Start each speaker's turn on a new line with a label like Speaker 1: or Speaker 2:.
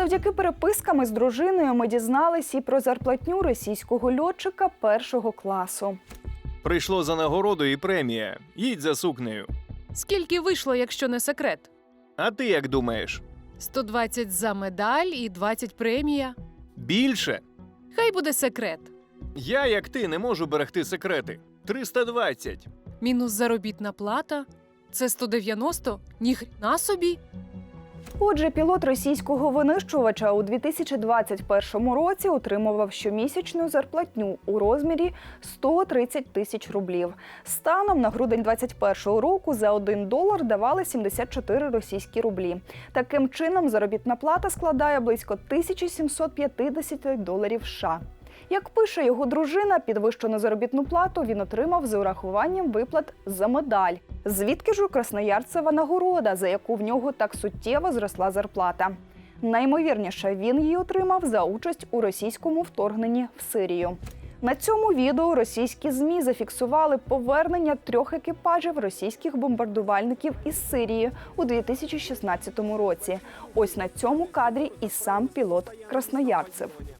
Speaker 1: Завдяки перепискам із дружиною ми дізнались і про зарплатню російського льотчика першого класу.
Speaker 2: Прийшло за нагороду і премія. Їдь за сукнею.
Speaker 3: Скільки вийшло, якщо не секрет?
Speaker 2: А ти як думаєш?
Speaker 3: 120 за медаль і 20 премія.
Speaker 2: Більше?
Speaker 3: Хай буде секрет.
Speaker 2: Я, як ти, не можу берегти секрети. 320.
Speaker 3: Мінус заробітна плата. Це 190? Ніхрена собі.
Speaker 1: Отже, пілот російського винищувача у 2021 році отримував щомісячну зарплатню у розмірі 130 тисяч рублів. Станом на грудень 2021 року за $1 давали 74 російські рублі. Таким чином, заробітна плата складає близько $1750 США. Як пише його дружина, підвищену заробітну плату він отримав з урахуванням виплат за медаль. Звідки ж у красноярцева нагорода, за яку в нього так суттєво зросла зарплата? Найімовірніше, він її отримав за участь у російському вторгненні в Сирію. На цьому відео російські ЗМІ зафіксували повернення 3 екіпажів російських бомбардувальників із Сирії у 2016 році. Ось на цьому кадрі і сам пілот Красноярцев.